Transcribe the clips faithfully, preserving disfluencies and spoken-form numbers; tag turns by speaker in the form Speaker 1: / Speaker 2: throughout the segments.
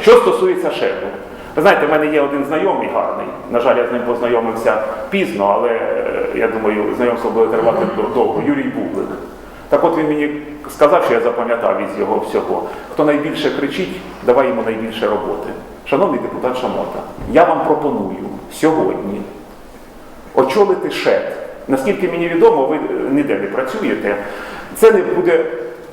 Speaker 1: Що стосується шефу, ви знаєте, в мене є один знайомий гарний, на жаль, я з ним познайомився пізно, але я думаю, знайомство буде тривати довго, Юрій Бублик. Так от він мені сказав, що я запам'ятав із його всього, хто найбільше кричить, давай йому найбільше роботи. Шановний депутат Шамота, я вам пропоную сьогодні очолити ШЕД. Наскільки мені відомо, ви ніде не працюєте, це не буде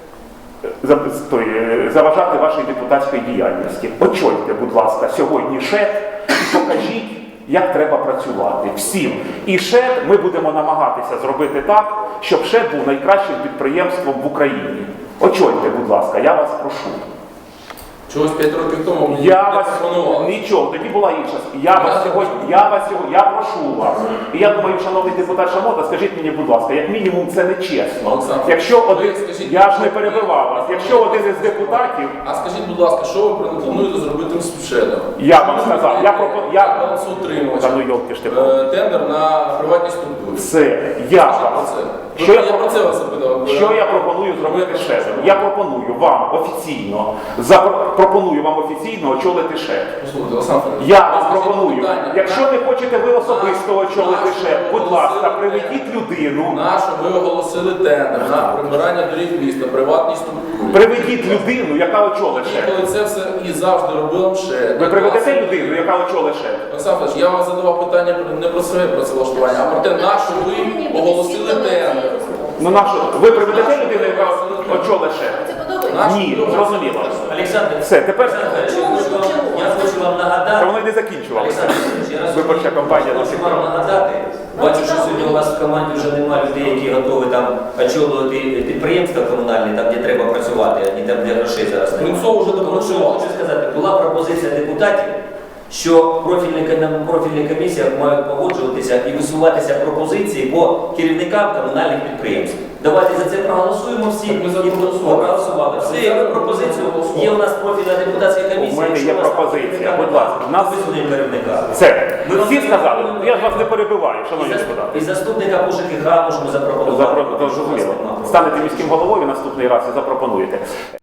Speaker 1: заважати вашій депутатській діяльності. Очольте, будь ласка, сьогодні ШЕД і покажіть, як треба працювати всім. І ШЕД ми будемо намагатися зробити так, щоб ШЕД був найкращим підприємством в Україні. Очольте, будь ласка, я вас прошу.
Speaker 2: Чогось п'ять років тому мені
Speaker 1: я
Speaker 2: не
Speaker 1: вас
Speaker 2: пропонували.
Speaker 1: Нічого, тоді була інша. Я вас сьогодні, я вас сьогодні, я прошу вас. І я думаю, шановний депутат Шамота, скажіть мені, будь ласка, як мінімум це не чесно.
Speaker 2: Олександр,
Speaker 1: якщо один,
Speaker 2: скажіть,
Speaker 1: я ж не перебивав вас. Якщо один із депутатів,
Speaker 2: А скажіть, будь ласка, що ви плануєте зробити з ШЕДом?
Speaker 1: я вам сказав, я пропоную, я
Speaker 2: балансоутримувач,
Speaker 1: Та ну йолки ж ти.
Speaker 2: е, тендер на приватні структури.
Speaker 1: Все, я
Speaker 2: Про
Speaker 1: вам.
Speaker 2: це.
Speaker 1: Що я,
Speaker 2: я про це вас запитав.
Speaker 1: що я пропоную зробити з ШЕДом? Я пропоную вам офіційно, запро- пропоную вам офіційно очолити ШЕД.
Speaker 2: Послухайте, Олександр Федорович,
Speaker 1: Я
Speaker 2: ви
Speaker 1: вам
Speaker 2: скажіть
Speaker 1: пропоную,
Speaker 2: питання,
Speaker 1: якщо
Speaker 2: на-
Speaker 1: не хочете ви особисто очолити
Speaker 2: нашу
Speaker 1: ШЕД,
Speaker 2: ви
Speaker 1: будь ласка,
Speaker 2: оголосили
Speaker 1: приведіть
Speaker 2: тендер.
Speaker 1: людину,
Speaker 2: Нашу ви оголосили тендер на прибирання доріг міста, приватній структурі.
Speaker 1: приведіть людину, яка очолить
Speaker 2: І
Speaker 1: ШЕД.
Speaker 2: коли це все і завжди робила ШЕД.
Speaker 1: Ви приведете людину, яка очолить ШЕД?
Speaker 2: Олександр Федорович, я вам задавав питання не про своє працевлаштування, а про те, на що ви оголосили тендер.
Speaker 1: Ну нашу, ви приведете людину, яка очолить ШЕД?
Speaker 2: Нашу
Speaker 1: Ні,
Speaker 2: ви
Speaker 1: зрозуміло.
Speaker 3: Олександр,
Speaker 1: Все, тепер
Speaker 3: Олександр, я хочу вам- я хочу вам
Speaker 1: та
Speaker 3: нагадати.
Speaker 1: воно й не закінчувалося.
Speaker 3: Олександр, я раз
Speaker 1: Виборча кампанія до
Speaker 3: хочу
Speaker 1: сих
Speaker 3: вам
Speaker 1: пор.
Speaker 3: нагадати. Бачу, що сьогодні у вас в команді вже немає людей, які готові там очолювати підприємства комунальні, там де треба працювати, а не там де грошей зараз немає.
Speaker 2: Принцов вже
Speaker 3: Тому що
Speaker 2: допрацював.
Speaker 3: хочу сказати, була пропозиція депутатів, що профільні, ком- профільні комісії мають погоджуватися і висуватися пропозиції по керівникам комунальних підприємств. Давайте за це проголосуємо всі.
Speaker 2: Так ми за це
Speaker 3: І
Speaker 2: проголосували.
Speaker 3: проголосували. Все, є пропозицію. Є у нас профільна депутатська комісія.
Speaker 1: У мене
Speaker 3: Якщо
Speaker 1: є
Speaker 3: у вас
Speaker 1: пропозиція.
Speaker 3: керівника
Speaker 1: Будь ласка,
Speaker 3: немає,
Speaker 1: в нас-
Speaker 3: висунемо керівника.
Speaker 1: Все,
Speaker 3: Ми вам
Speaker 1: всі
Speaker 3: це
Speaker 1: сказали.
Speaker 3: запропонуємо.
Speaker 1: Я ж вас не перебиваю,
Speaker 3: І
Speaker 1: шановні
Speaker 3: зас-
Speaker 1: депутати.
Speaker 3: І заступника ПУЖКГ можемо запропонувати.
Speaker 1: Зрозуміло. Станете міським головою наступний раз і запропонуєте.